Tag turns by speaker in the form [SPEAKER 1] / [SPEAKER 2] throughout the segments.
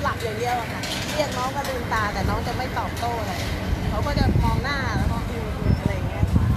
[SPEAKER 1] หลับอย่างเดียวอะค่ะเรียกน้องก็ลืมตาแต่น้องจะไม่ตอบโต้เลยเขาก็จะมองหน้าแล้วก็อะไรอย่างเงี้ยค่ะ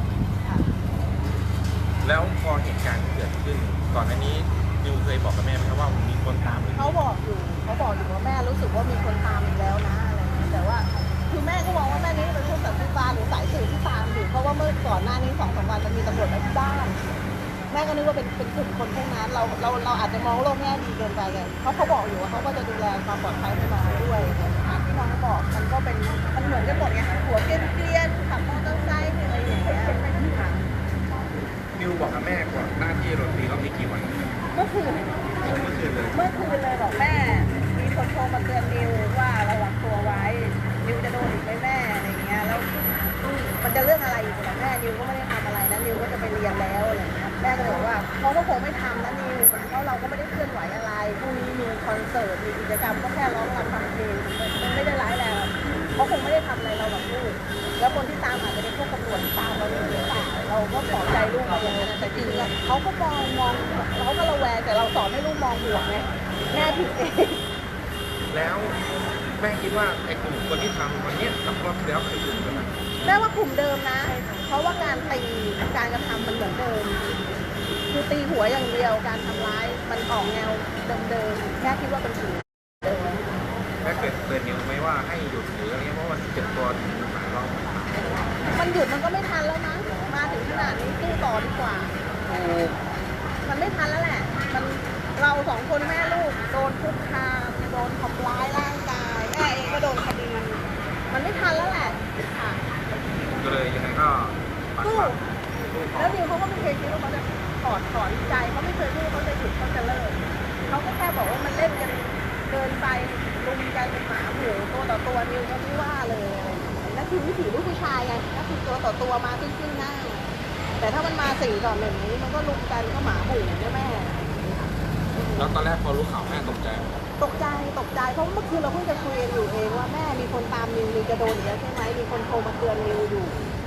[SPEAKER 2] แล้วพอเหตุการณ์เกิดขึ้นก่อนหน้านี้นิวเคยบอกกับแม่ไหมครับว่ามีคนตามหรือ
[SPEAKER 1] เขาบอกอยู่ว่าแม่รู้สึกว่ามีคนตามอีกแล้วนะอะไรเงี้ยแต่ว่าคือแม่ก็มองว่าแม่นี้เป็นพวกสันติบาลหรือสายสืบที่ตามอยู่เพราะว่าเมื่อก่อนหน้านี้2-3 วันมันมีตำรวจมาที่บ้านแม่ก็นึกว่าเป็นกลุ่มคนพวกนั้นเราอาจจะมองโลกแง่ดีเกินไปไงเพราะเขาบอกอยู่ว่าเขาก็จะดูแลความปลอดภัยให้น้องด้วยที่น้องบอกมันก็เป็นมันเหมือนกันหมดไงหัวเกรียนขับมอเตอร์ไซค์อะไรอย่างเงี้ยค่ะ
[SPEAKER 2] นิวบอกกับแม่ก่อนหน้าที่โดนตีรอบนี้กี่วัน
[SPEAKER 1] เมื่อคืนเลยบอกแม่มีคนโทรมาเตือนนิวว่าระวังตัวไว้นิวจะโดนอีกไหมแม่อะไรอย่างเงี้ยแล้วมันจะเรื่องอะไรอีกล่ะแม่นิวก็ไม่ได้ทำอะไรนะนิวก็จะไปเรียนแล้วอะไรอย่างเงี้ยแม่ก็เลยบอกว่าเขาก็คงไม่ทำนะนิวเพราะเราก็ไม่ได้เคลื่อนไหวอะไรพรุ่งนี้มีคอนเสิร์ตมีกิจกรรมก็แค่ร้องรำฟังเพลงมันไม่ได้ร้ายแรงเขาคงไม่ได้ทำอะไรเราหรอกลูกแล้วคนที่ตามอาจจะเป็นพวกตำรวจที่ตามเราหรือเปล่าเราก็ปลอบใจลูกมาอย่างนั้นแต่จริงๆเขาก็มองเขาก็ระแวงแต่เราสอนให้ลูกมองบวกไงแม่ผิดเอง
[SPEAKER 2] แล้วแม่คิดว่าไอ้กลุ่มคนที่ทำวันนี้กับรอบที่แล้วคือกลุ่มกันไหม
[SPEAKER 1] แม่ว่ากลุ่มเดิมนะเพราะว่าการตีการกระทำมันเหมือนเดิมคือตีหัวอย่างเดียวการทำร้ายมันออกแนวเดิมๆแม่คิดว่าเป็นกลุ่มเดิม
[SPEAKER 2] แม่เกิดเตือนนิวไหมว่าให้หยุดหรืออะไรเงี้ยเพราะว่าเจ็บตัวถึงหลายรอบ
[SPEAKER 1] มันหยุดมันก็ไม่ทันแล้วนะมาถึงขนาดนี้สู้ต่อดีกว่ามันไม่ทันแล้วแหละมันเรา2 คนแม่ลูกโดนคุกคามโดนทำร้ายร่างกายแม่เองก็โดนคดีมันไม่ทันแล้วแหละค่ะ
[SPEAKER 2] ก็เลยยังไงก็
[SPEAKER 1] สู้แล้วนิวเขาก็ไม่เคยคิดว่าเขาจะถอนใจเขาไม่เคยพูดเขาจะหยุดเขาจะเลิกเขาก็แค่บอกว่ามันเล่นกันเกินไปลุมกันเป็นหมาหมูตัวต่อตัวนิวก็ไม่ว่าเลยนั่นคือวิถีลูกผู้ชายไงนั่นคือตัวต่อตัวมาซึ่งหน้าแต่ถ้ามันมา4-1นี้มันก็ลุมกันก็หมาหมูใช่ไหม
[SPEAKER 2] แล้วตอนแรกพอรู้ข่าวแม่ตกใจ
[SPEAKER 1] เพราะเมื่อคืนเราเพิ่งจะคุยกันอยู่เองว่าแม่มีคนตามนิวจะโดนอีกแล้วใช่ไหมมีคนโทรมาเตือนนิวอยู่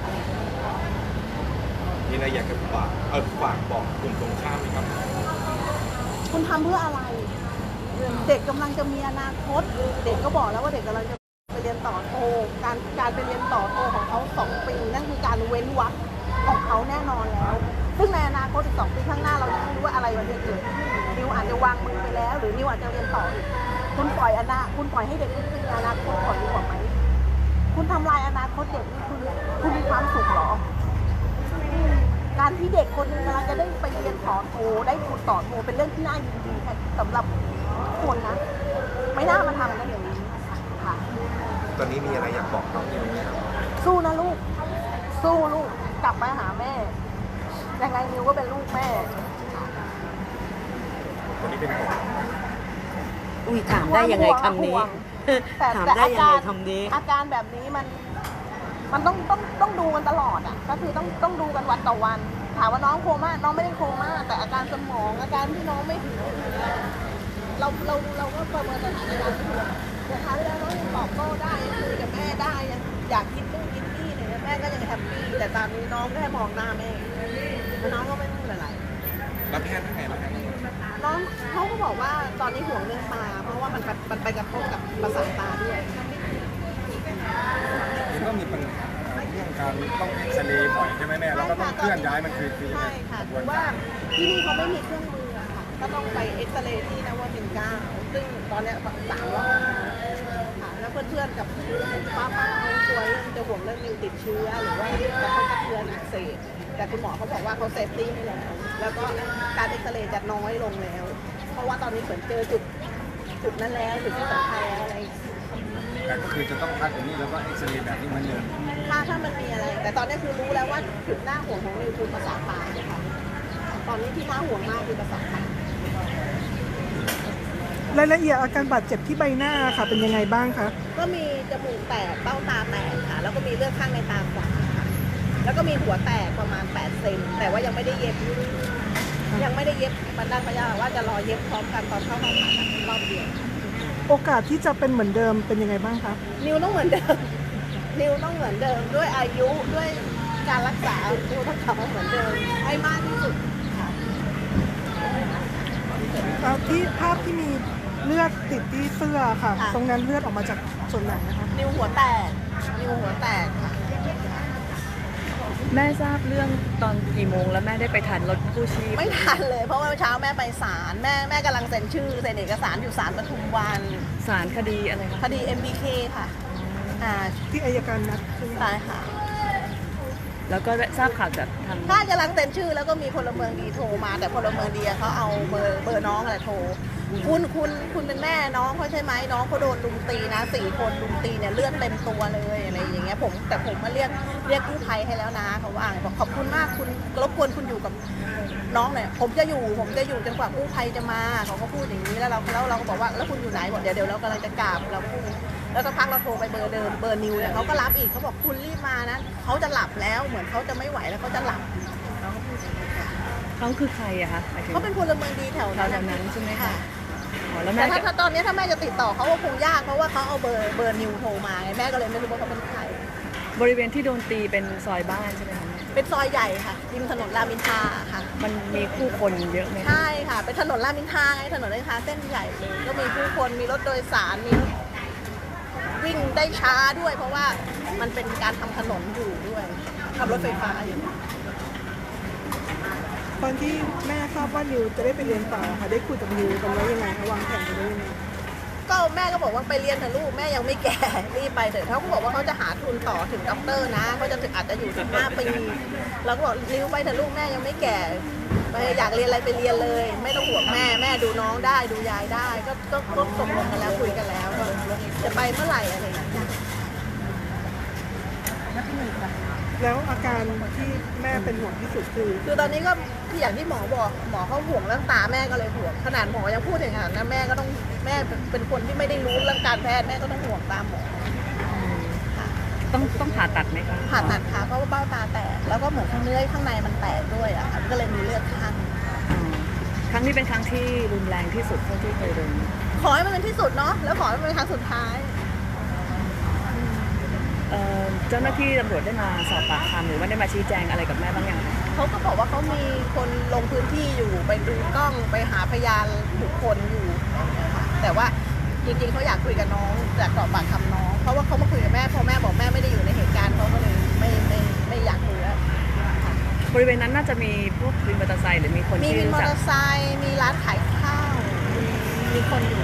[SPEAKER 2] มีอะไรอยากจะฝากบอกกลุ่มตรงข้ามไหมครับ
[SPEAKER 1] คุณทำเพื่ออะไรเด็กกำลังจะมีอนาคตเด็กก็บอกแล้วว่าเด็กกำลังจะไปเรียนต่อโทการไปเรียนต่อโทของเขา2 ปีนั่นคือการเว้นวรรคของเขาแน่นอนแล้วซึ่งในอนาคตอีก2 ปีข้างหน้าเรายังไม่รู้ว่าอะไรมันจะเกิดนิวอาจจะวางมือไปแล้วหรือนิวอาจจะเรียนต่ออีกคุณปล่อยให้เด็กมีอนาคตก่อนดีกว่าไหมคุณทำลายอนาคตเด็กนี่คุณมีความสุขหรอการที่เด็กคนนึงกำลังจะได้ไปเรียนต่อโทได้ทุนต่อโทเป็นเรื่องที่น่ายินดีสำหรับทุกคนนะไม่น่ามาทำกันอย่างนี้ค่ะ
[SPEAKER 2] ตอนนี้มีอะไรอยากบอกน้องนิวไหมครับ
[SPEAKER 1] สู้นะลูกสู้ลูกกลับมาหาแม่ยังไงนิวก็เป็นลูกแม่
[SPEAKER 2] วันนี้เป็นห่วง
[SPEAKER 3] อุ้ยถามได้ยังไงคำนี้ถามได้ยังไงคำนี้
[SPEAKER 1] อาการแบบนี้มันต้องดูกันตลอดอ่ะก็คือต้องดูกันวันต่อวันถามว่าน้องโคม่าน้องไม่ได้โคม่าแต่อาการสมองอาการที่น้องไม่ถึงเราก็ประเมินสถานการณ์แต่ครั้งแล้วน้องยังตอบโต้ได้ยังคุยกับแม่ได้ยังอยากกินนู่นกินนี่เนี่ยแม่ก็ยังแฮปปี้แต่ตอนนี้น้องแค่มองหน้าแม่แล้วน้องก็ไม่พูดอะไร
[SPEAKER 2] แล้วแพทย์เป็นไงบ้างครับ
[SPEAKER 1] น้องเขาก็บอกว่าตอนนี้ห่วงเรื่องตาเพราะว่ามันไปกระทบกับประสาทตาด้วย
[SPEAKER 2] มันก็มีปัญหาเรื่องการต้องเอ็กซเรย์บ่อยใช่ไหมแม่แล้วก็ต้องเคลื่อนย้ายมันคือ
[SPEAKER 1] ใช่ค่ะคือว่าที่นี่เขาไม่มีเครื่องมือค่ะก็ต้องไปเอ็กซเรย์ที่นวมินทร์9ซึ่งตอนนี้3 รอบค่ะแล้วเพื่อนๆกับป้าเขากลัวจะห่วงเรื่องนิวติดเชื้อหรือว่าจะเข้ากระเทือนอักเสบแต่คุณหมอเขาบอกว่าเขาเซฟตี้ให้แล้วก็การเอ็กซเรย์จะน้อยลงแล้วเพราะว่าตอนนี้เหมือนเจอจุดนั้นแล้วจุดที่สำคัญแล้วอะไร
[SPEAKER 2] แต่ก็คือจะต้องพักอย่างนี้แล้วก็เอ็กซเรย์แบบนี้มันเยอะ
[SPEAKER 1] ถ้ามันมีอะไรแต่ตอนนี้คือรู้แล้วว่าจุดหน้าห่วงของนิวคือประสาทตาค่ะตอนนี้ที่น่าห่วงมากคือประสาทตาร
[SPEAKER 4] ายละเอียดอาการบาดเจ็บที่ใบหน้าค่ะเป็นยังไงบ้างคะ
[SPEAKER 1] ก็มีจมูกแตกเบ้าตาแตกค่ะแล้วก็มีเลือดข้างในตาขวาค่ะแล้วก็มีหัวแตกประมาณ8 เซนแต่ว่ายังไม่ได้เย็บมันด้านพยาว่าจะรอเย็บพร้อมกันตอนเข้าห้องผ่าตัดรอบเดียว
[SPEAKER 4] โอกาสที่จะเป็นเหมือนเดิมเป็นยังไงบ้างคะ
[SPEAKER 1] นิวต้องเหมือนเดิมด้วยอายุด้วยการรักษานิวต้องกลับมาเหมือนเดิมให้มากที่สุด
[SPEAKER 4] ที่ภาพที่มีเลือดติดที่เสื้อค่ะ
[SPEAKER 1] ค่ะ
[SPEAKER 4] ตรงนั้นเลือดออกมาจากส่วนไหนนะคะ
[SPEAKER 1] นิ้วหัวแตกค่ะ
[SPEAKER 3] แม่ทราบเรื่องตอนกี่โมงแล้วแม่ได้ไปทันรถกู้ชีพ
[SPEAKER 1] ไม่ทันเลยเพราะว่าเมื่อเช้าแม่ไปศาลแม่กำลังเซ็นชื่อเซ็นเอกสารอยู่ศาลปทุมวัน
[SPEAKER 3] ศาลคดีอะไรคะ
[SPEAKER 1] คดี MBK ค่ะ
[SPEAKER 4] ที่อัยการนัดใช่ไหม
[SPEAKER 1] ใช่ค่ะ
[SPEAKER 3] แล้วก็ทราบข่าวจากทาง
[SPEAKER 1] ถ้ากำลังเซ็นชื่อแล้วก็มีพลเมืองดีโทรมาแต่พลเมืองดีเขาเอาเบอร์น้องอะไรโทรคุณเป็นแม่น้องเขาใช่ไหมน้องเขาโดนลุมตีนะ4 คนลุมตีเนี่ยเลือดเต็มตัวเลยอะไรอย่างเงี้ยแต่ผมมาเรียกกู้ภัยให้แล้วนะเขาว่าบอกขอบคุณมากคุณรบกวนคุณอยู่กับน้องเนี่ยผมจะอยู่จนกว่ากู้ภัยจะมาเขาก็พูดอย่างนี้แล้วเราก็บอกว่าแล้วคุณอยู่ไหนบอกเดี๋ยวเรากำลังจะกราบเราพูดแล้วสักพักเราโทรไปเบอร์เดิมเบอร์นิวเนี่ยเขาก็รับอีกเขาบอกคุณรีบมานะเขาจะหลับแล้วเหมือนเขาจะไม่ไหวแล้วเขาจะหลับเราก็พูดอย่างนี้ค่ะ
[SPEAKER 3] เขาคือใครอะคะหมายถึง
[SPEAKER 1] เขาเป็นพลเมืองดีแถว
[SPEAKER 3] แถวนั้นใช่ไหมคะ
[SPEAKER 1] ค่ะ
[SPEAKER 3] อ๋อแล้ว
[SPEAKER 1] แต่
[SPEAKER 3] แม่
[SPEAKER 1] ถ้าตอนนี้ถ้าแม่จะติดต่อเขาก็คงยากเพราะว่าเขาเอาเบอร์นิวโทรมาไงแม่ก็เลยไม่รู้ว่าเขาเป็นใคร
[SPEAKER 3] บริเวณที่โดนตีเป็นซอยบ้านใช่ไหมคะแม่
[SPEAKER 1] เป็นซอยใหญ่ค่ะริมถนนรามอินทราค่ะ
[SPEAKER 3] มันมีผู้คนเยอะไหมคะ
[SPEAKER 1] ใช่ค่ะเป็นถนนรามอินทราไงถนนรามอินทราเส้นใหญ่เลยก็มีผู้คนมีรถโดยสารมีรถวิ่งได้ช้าด้วย เพราะว่ามันเป็นการทำถนนอยู่ด้วยขับรถไฟฟ้าอยู่
[SPEAKER 4] ตอนที่แม่ทราบว่านิวจะได้ไปเรียนต่อค่ะได้คุยกับนิวกันไว้ยังไงคะวางแผนกันไว้ยังไง
[SPEAKER 1] ก็แม่ก็บอกว่าไปเรียนเถอะลูกแม่ยังไม่แก่รีบไปเถอะเขาก็บอกว่าเขาจะหาทุนต่อถึงด็อกเตอร์นะเขาจะอาจจะอยู่ถึง5 ปีเราก็บอกนิ้วไปเถอะลูกแม่ยังไม่แก่ไปอยากเรียนอะไรไปเรียนเลย ไม่ต้องห่วงแม่ดูน้องได้ดูยายได้ก็ตกลงกันแล้วคุยกันแล้วว่าจะไปเมื่อไหร่อะไรอย่างเงี้ย
[SPEAKER 4] แล้วอาการที่แม่เป็นห่วงที่สุดคือ
[SPEAKER 1] คือตอนนี้ก็ที่อย่างที่หมอบอกหมอเขาห่วงเรื่องตาแม่ก็เลยห่วงขนาดหมอยังพูดอย่างนั้นนะแม่ก็ต้องแม่เป็นคนที่ไม่ได้รู้เรื่องการแพทย์แม่ก็ต้องห่วงตามหมอค่ะ
[SPEAKER 3] ต้องผ่าตัดไหมคะ
[SPEAKER 1] ผ่าตัดค่ะเพราะว่าเบ้าตาแตกแล้วก็เหมือนข้างเนื้อข้างในมันแตกด้วยอ่ะค่ะก็เลยมีเลือดข้าง
[SPEAKER 3] อ๋อครั้งนี้เป็นครั้งที่รุนแรงที่สุดเท่าที่เคยโดน
[SPEAKER 1] ขอให้มันเป็นที่สุดเนาะแล้วขอให้มันเป็นครั้งสุดท้าย
[SPEAKER 3] เจ้าหน้าที่ตำรวจได้มาสอบปากคำหรือว่าได้มาชี้แจงอะไรกับแม่บ้างยังคะ
[SPEAKER 1] เขาก็บอกว่าเขามีคนลงพื้นที่อยู่ไปดูกล้องไปหาพยานบุคคลอยู่ค่ะแต่ว่าจริงๆเขาอยากคุยกับน้องอยากสอบปากคำน้องเพราะว่าเขามาคุยกับแม่พอแม่บอกแม่ไม่ได้อยู่ในเหตุการณ์เขาก็เลยไม่อยากคุยแล้ว
[SPEAKER 3] บริเวณนั้นน่าจะมีพวกวินมอเตอร์ไซค์หรือมีคน
[SPEAKER 1] มี
[SPEAKER 3] ที่
[SPEAKER 1] วินม
[SPEAKER 3] รู้
[SPEAKER 1] อ
[SPEAKER 3] จัก
[SPEAKER 1] เตอร์ไซค์มีร้านขายข้าวมีคนอยู่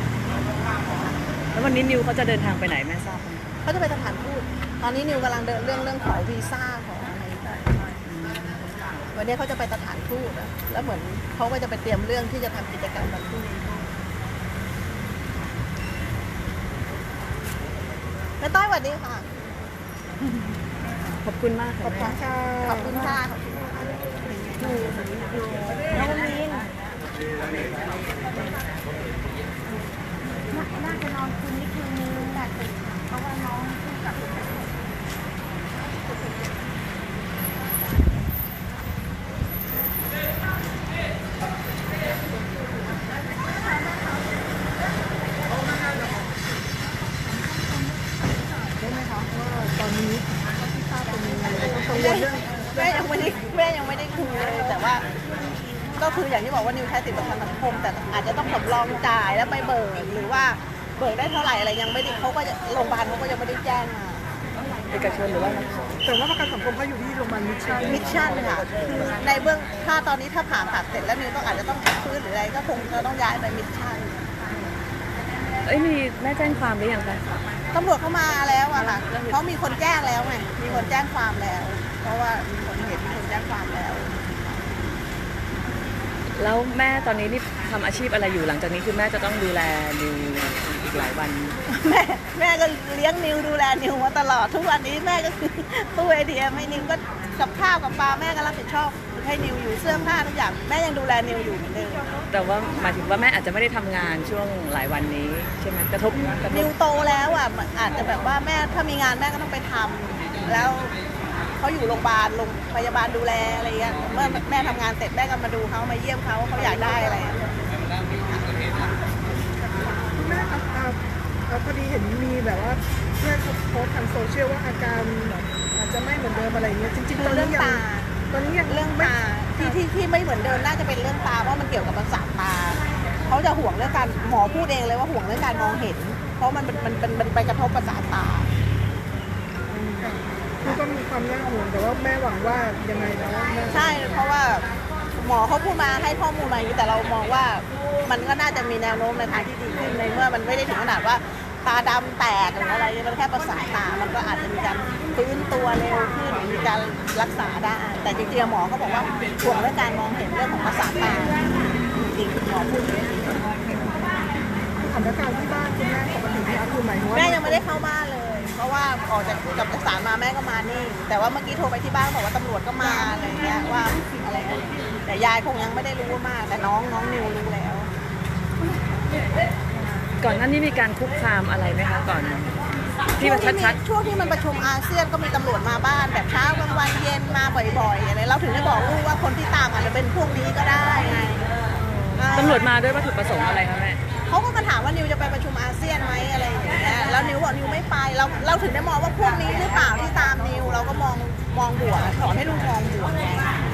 [SPEAKER 3] แล้ววันนี้นิวเขาจะเดินทางไปไหนแม่ทราบไหม
[SPEAKER 1] เขาจะไปสถานทูตตอนนี้นิวกำลังเดินเรื่องขอวีซ่าของอะไรต่างวันนี้เขาจะไปสถานทูตอะแล้วเหมือนเขาก็จะไปเตรียมเรื่องที่จะทำกิจกรรมวันพรุ่งนี้แม่ต้อยสวัสดีค่ะ
[SPEAKER 3] ขอบคุณมากค่ะ
[SPEAKER 4] ขอบคุ
[SPEAKER 3] แม่
[SPEAKER 4] ณค่ะ
[SPEAKER 1] ขอบคุณค่ะน้องมินน่าจะนอนคืนนี้คืนนึงแต่เพราะว่าน้องเพิ่งกลับมา
[SPEAKER 4] ได้ไหมคะว่าตอนนี้ที่ทราบเป็นยังไงต้องกังวลเรื่อง
[SPEAKER 1] แม่ยังไม่ได้คุยเลยแต่ว่า ก็คืออย่างที่บอกว่านิวใช้สิทธิประกันสังคมแต่อาจจะต้องสำรองจ่ายแล้วไปเบิกหรือว่าเบิกได้เท่าไหร่อะไรยังไม่ได้เขาก็จะโรงพยาบาลเขาก็ยังไม่ได้แจ้งมา
[SPEAKER 3] เอกชนหรือว่า
[SPEAKER 4] แต่ว่าประกันสังคมเขาอยู่ที่โรงพยาบาลมิชชั่น
[SPEAKER 1] มิชชั่นค่ะคือในเบื้องถ้าตอนนี้ถ้าผ่าตัดเสร็จแล้วนิวต้องอาจจะต้องพักฟื้นหรืออะไรก็คงจะต้องย้ายไปมิชชั่น
[SPEAKER 3] มีแม่แจ้งความหรือยังคะ
[SPEAKER 1] ตำรวจเข้ามาแล้วอะค่ะเพราะมีคนแจ้งแล้วไงมีคนแจ้งความแล้ว เพราะว่ามีคนเห็นมีคนแจ้งความแล้ว
[SPEAKER 3] แล้วแม่ตอนนี้นี่ทำอาชีพอะไรอยู่หลังจากนี้คือแม่จะต้องดูแลนิวอีกหลายวัน
[SPEAKER 1] แม่ก็เลี้ยงนิวดูแลนิวมาตลอดทุกวันนี้แม่ก็คือตู้ไอเดียให้นิวก็กับข้าวกับปลาแม่ก็รับผิดชอบให้นิวอยู่เสื้อผ้าทุกอย่างแม่ยังดูแลนิวอยู่เหมือนเดิม
[SPEAKER 3] แต่ว่าหมายถึงว่าแม่อาจจะไม่ได้ทำงานช่วงหลายวันนี้ใช่ไหมกระทบ
[SPEAKER 1] นิวโตแล้วอ่ะอาจจะแบบว่าแม่ถ้ามีงานแม่ก็ต้องไปทำแล้วเขาอยู่โรงพยาบาลโรงพยาบาลดูแลอะไรเงี้ยเมื่อแม่ทำงานเสร็จแม่ก็มาดูเขามาเยี่ยมเขาอยากได้อะไรอะ
[SPEAKER 4] คุณแม่ครับพอดีเห็นมีแบบว่าเพื่อนเขาโพสต์ทางโซเชียลว่าอาการแบบอาจจะไม่เหมือนเดิมอะไรเงี้ยจริงๆตอน
[SPEAKER 1] เรื่
[SPEAKER 4] นี้
[SPEAKER 1] อง
[SPEAKER 4] ยัง
[SPEAKER 1] ตา
[SPEAKER 4] ตอนนี้ยัง
[SPEAKER 1] เรื่อง
[SPEAKER 4] ไม่
[SPEAKER 1] ตาที่ไม่เหมือนเดิมน่าจะเป็นเรื่องตาเพราะมันเกี่ยวกับประสาทตาเขาจะห่วงเรื่องการหมอพูดเองเลยว่าห่วงเรื่องการมองเห็น เพราะมันไปกระทบประสาทตา
[SPEAKER 4] คือก็มีความน่าห่วงแต่ว่าแม่หวังว่ายังไงแล้วแม่
[SPEAKER 1] ใช่เพราะว่าหมอเขาพูดมาให้ข้อมูลมาอย่างนี้แต่เรามองว่ามันก็น่าจะมีแนวโน้มในทางที่ดีขึ้นในเมื่อมันไม่ได้ถึงขนาดว่าตาดำแตกหรืออะไรมันแค่ประสาทตามันก็อาจจะมีการฟื้นตัวเร็วขึ้นมีการรักษาได้แต่จริงๆหมอเขาบอกว่าห่วงเรื่องการมองเห็นเรื่องของประสาทตาจริงๆหมอพูดอย่างนี้
[SPEAKER 4] สถานการณ์ที่บ้านคุณแม่ปกติเนี่ยคือหมายถึงว่า
[SPEAKER 1] แม่ยังไม่ได้เข้าบ้านเลย เพราะว่าออกจากกับศาลมาแม่ก็มานี่ แต่ว่าเมื่อกี้โทรไปที่บ้านบอกว่าตำรวจก็มาอะไรเงี้ยว่าอะไรกันแต่ยายคงยังไม่ได้รู้มาก แต่น้องนิวรู้แล้ว
[SPEAKER 3] ก่อนหน้านี้มีการคุกคามอะไรไหมคะก่อนที่มันชัด
[SPEAKER 1] ช่วงที่มันประชุมอาเซียนก็มีตำรวจมาบ้านแบบเช้ากลางวันเย็นมาบ่อยๆอะไรเราถึงได้บอกลูกว่าคนที่ตามอาจจะเป็นพวกนี้ก็ได้ไง
[SPEAKER 3] ๆตำรวจมาด้วยวัตถุประสงค์อะไรคะแม่
[SPEAKER 1] เขาก็มาถามว่านิวจะไปประชุมอาเซียนไหมอะไรอย่างเงี้ยแล้วนิวบอกนิวไม่ไปเราถึงได้มองว่าพวกนี้หรือเปล่าที่ตามนิวเราก็มองบวกสอนให้ลูกมองบวกไง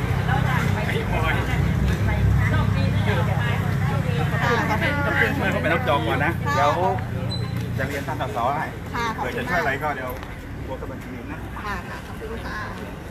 [SPEAKER 2] เขาไปรับจองก่อนนะ เดี๋ยวจะเรียนท่านสสให้
[SPEAKER 1] ค่ะขอบ
[SPEAKER 2] เผื่อ
[SPEAKER 1] คุ
[SPEAKER 2] จะ
[SPEAKER 1] ณ
[SPEAKER 2] ช่วย
[SPEAKER 1] มาก
[SPEAKER 2] อะไรก็เดี๋ยวบวกกับบัญชีนะ
[SPEAKER 1] ค่ะขอบคุณค่ะ